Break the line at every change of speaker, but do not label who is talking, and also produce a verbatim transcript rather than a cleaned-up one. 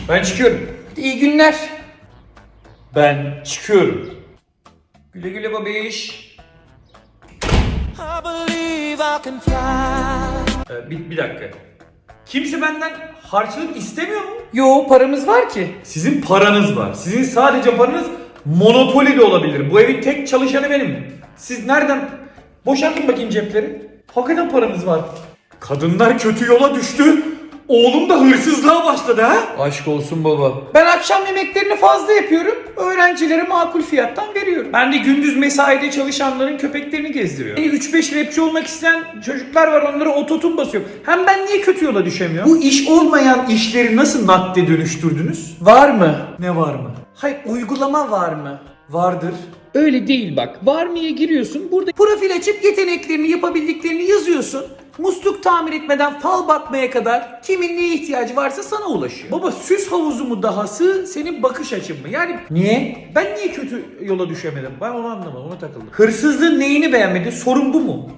Ben çıkıyorum.
İyi günler.
Ben çıkıyorum. Güle güle babiş.
I believe I can fly.
Ee, bir, bir dakika. Kimse benden harçlık istemiyor mu?
Yo, paramız var ki.
Sizin paranız var. Sizin sadece paranız Monopoly de olabilir. Bu evin tek çalışanı benim. Siz nereden? Boşaltın bakayım cepleri. Hakikaten paranız var. Kadınlar kötü yola düştü. Oğlum da hırsızlığa başladı ha?
Aşk olsun baba. Ben akşam yemeklerini fazla yapıyorum. Öğrencilere makul fiyattan veriyorum.
Ben de gündüz mesaide çalışanların köpeklerini gezdiriyorum. üç beş rapçi olmak isteyen çocuklar var, onlara ototun basıyorum. Hem ben niye kötü yola düşemiyorum? Bu iş olmayan işleri nasıl nakde dönüştürdünüz?
Var mı?
Ne var mı?
Hayır, uygulama var mı?
Vardır.
Öyle değil bak. Var mı'ya giriyorsun. Burada profil açıp yeteneklerini, yapabildiklerini yazıyorsun. Musluk tamir etmeden fal bakmaya kadar kimin neye ihtiyacı varsa sana ulaşıyor.
Baba, süs havuzu mu dahası, senin bakış açın mı? Yani
Niye?
ben niye kötü yola düşemedim? Ben onu anlamadım, ona takıldım. Hırsızlığın neyini beğenmedin? Sorun bu mu?